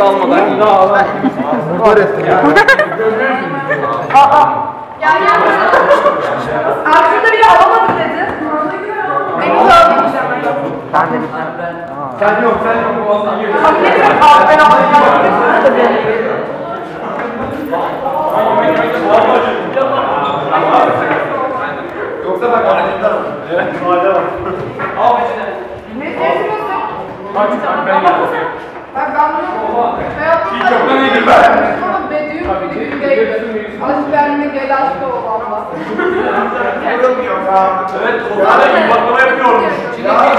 almadan. Var ettin ya. Gel gel. Aslında biri alamadım dedi. Beni de alamayacağım. Sen de Sen yok. Boğazına gir. Abi ne kadar abi ben alacağım. Yoksa bak aletler var. Evet. Al içine. Ne diyorsun? Aç ben yapayım. Ben bunu Hiç yoktan iyidir ben. Ama Bediü'nün bir gündeydi. Aşk benimle gel aşk ol Allah. Evet, o kadar iyi baklava yapıyormuş.